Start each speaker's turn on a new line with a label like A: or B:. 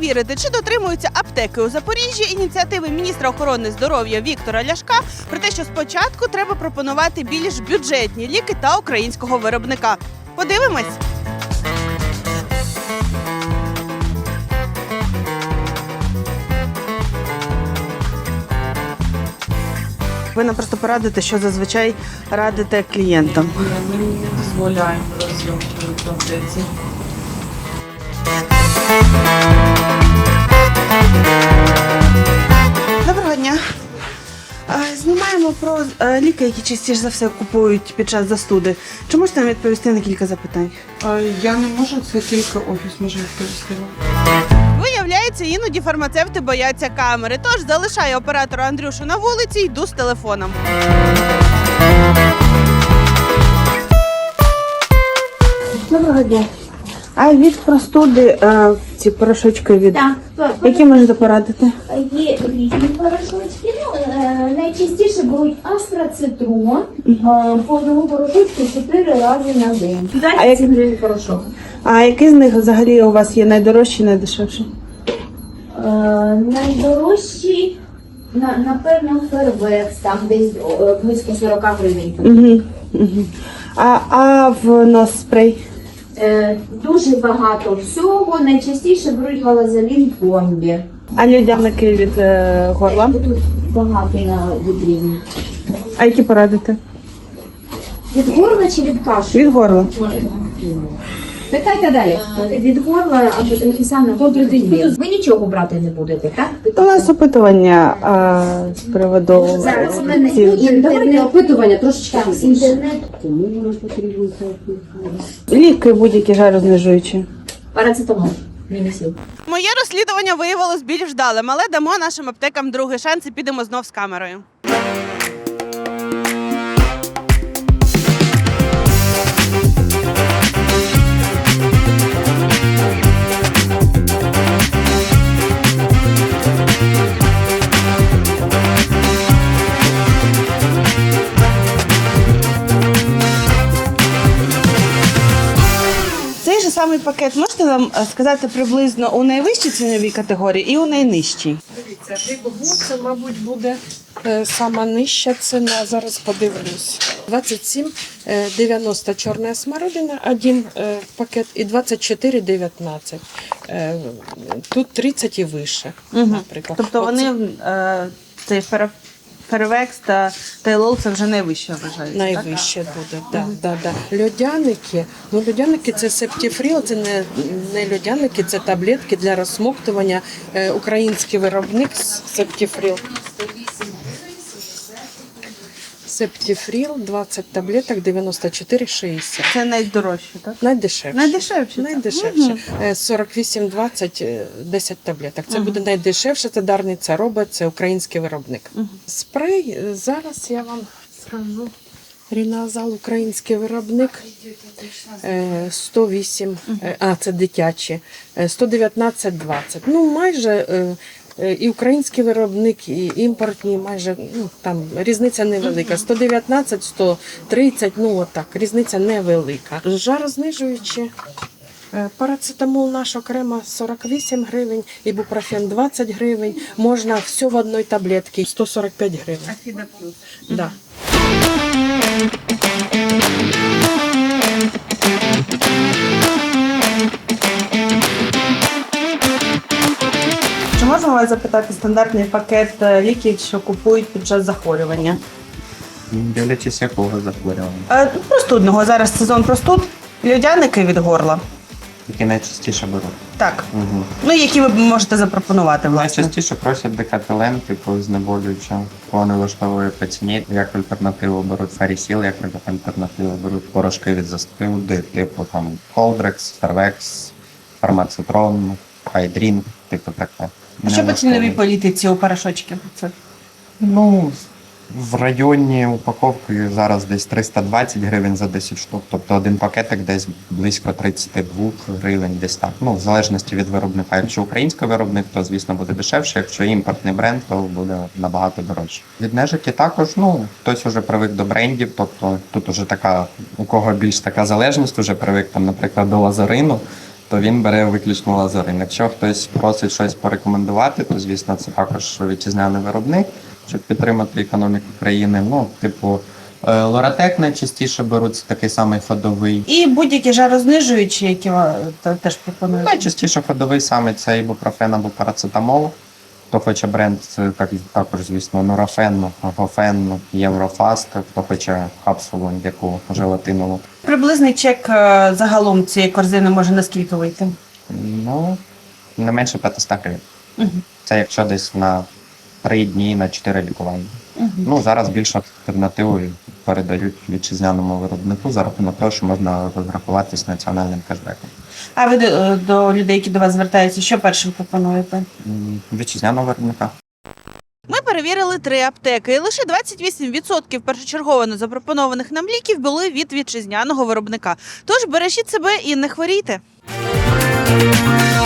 A: перевірити, чи дотримуються аптеки у Запоріжжі ініціативи міністра охорони здоров'я Віктора Ляшка про те, що спочатку треба пропонувати більш бюджетні ліки та українського виробника. Подивимось! Ви нам просто порадите, що зазвичай радите клієнтам.
B: Ми не дозволяємо розйомки в аптеці.
A: Доброго дня. Знімаємо про ліки, які частіше за все купують під час застуди. Чи можете нам відповісти на кілька запитань?
B: Я не можу, це тільки офіс може відповісти.
A: Виявляється, іноді фармацевти бояться камери, тож залишаю оператора Андрюшу на вулиці і йду з телефоном. Доброго дня. А від простуди ці порошочки від...
C: Так,
A: Які можете порадити?
C: є різні порошочки. Найчастіше беруть астрацитрон, по одному порошочку 4 рази на день.
A: А, як...
C: Гривень порошок.
A: а який з них взагалі у вас є найдорожчий, найдешевший?
C: Найдорожчий, напевно, Фервекс, там десь близько 40 гривень.
A: Угу. А в нос спрей?
C: Дуже багато всього. Найчастіше беруть галазолін комбі.
A: А людяники від горла?
C: Тут багато на вітріні.
A: А які порадите?
C: Від горла чи від кашу?
A: Від горла.
C: Питайте далі. Від горла або професіонально добрий день. Ви нічого брати не будете, так?
A: У нас опитування з приводу
C: Зараз у мене
D: Давайте опитування трошечки
C: інтернет.
A: ліки будь-які жарознижуючі.
C: Парацетамол. Мінісів.
A: Моє розслідування виявилось більш вдалим, але дамо нашим аптекам другий шанс і підемо знов з камерою. Цей же самий пакет можете нам сказати приблизно у найвищій ціновій категорії і у найнижчій?
B: Дивіться, Бігбу це, мабуть, буде сама нижча ціна. Зараз подивлюсь. 27,90 чорна смородина, один пакет, і 24,19. Тут 30 і вище, наприклад.
A: Тобто вони, цей Фервекс та Тейлол, це вже найвище вважається,
B: Найвище буде, да. Льодяники, льодяники це септифріл, це не льодяники, це таблетки для розсмоктування. Український виробник септифріл. Септифріл, 20 таблеток, 94,60.
A: Це найдорожче, так?
B: Найдешевше.
A: Найдешевше.
B: Найдешевше. 48,20, 10 таблеток. Це буде найдешевше, це Дарниця робить, це український виробник. Спрей, зараз я вам скажу. Ріназал, український виробник, 108, це дитячі, 119,20. Ну, майже і український виробник, і імпортні, майже, там різниця невелика. 119, 130, отак, різниця невелика. Жарознижуючі. Парацетамол наш окремо 48 гривень, ібупрофен 20 гривень. Можна все в одній таблетці, 145 гривень.
A: Афіда плюс.
B: Да.
A: Чи можемо вас запитати стандартний пакет ліків, що купують під час захворювання?
E: Дивлячись, якого захворювання.
A: Простудного. Зараз сезон простуд. Льодяники від горла.
E: Які найчастіше беруть.
A: Так.
E: Угу.
A: Ну, які ви можете запропонувати, власне?
E: Найчастіше просять декателен, типу знеболююче, вони влаштовує по ціні. Як альтернативу беруть фарісіл, як альтернативу беруть порошки від застуди, типу там Колдрекс, Фервекс, Фармацитрон, Хайдрін, типу таке.
A: А що по ціновій політиці у порошочків?
E: Ну, в районі упаковки зараз десь 320 гривень за 10 штук, тобто один пакетик десь близько 32 гривень, десь так. Ну, в залежності від виробника. Якщо український виробник, то, звісно, буде дешевше, якщо імпортний бренд, то буде набагато дорожче. Від нежиті також, хтось уже привик до брендів, тобто тут уже така, у кого більш така залежність, уже привик, там, наприклад, до лазарину, то він бере виключно Лазарин. Якщо хтось просить щось порекомендувати, то звісно це також вітчизняний виробник, щоб підтримати економіку країни. Ну, типу, Лоратек найчастіше беруть, це такий самий ходовий.
A: І будь-які жарознижуючі, які теж пропонують.
E: Найчастіше ходовий саме це ібупрофен або парацетамол. Хто хоче бренд, це також, звісно, Нурофен, Гофен, Єврофаст, хто хоче капсулу яку желатинову.
A: Приблизний чек загалом цієї корзини може наскільки вийти?
E: Ну, не менше 500 гривень. Це якщо десь на 3 дні, на 4 лікування. Ну, зараз більше альтернативою передають вітчизняному виробнику за рахунок того, що можна розрахуватись національним кешбеком.
A: А ви до людей, які до вас звертаються, що першим пропонуєте?
E: Вітчизняного виробника.
A: Ми перевірили 3 аптеки, і лише 28% першочергово запропонованих нам ліків були від вітчизняного виробника. Тож бережіть себе і не хворійте.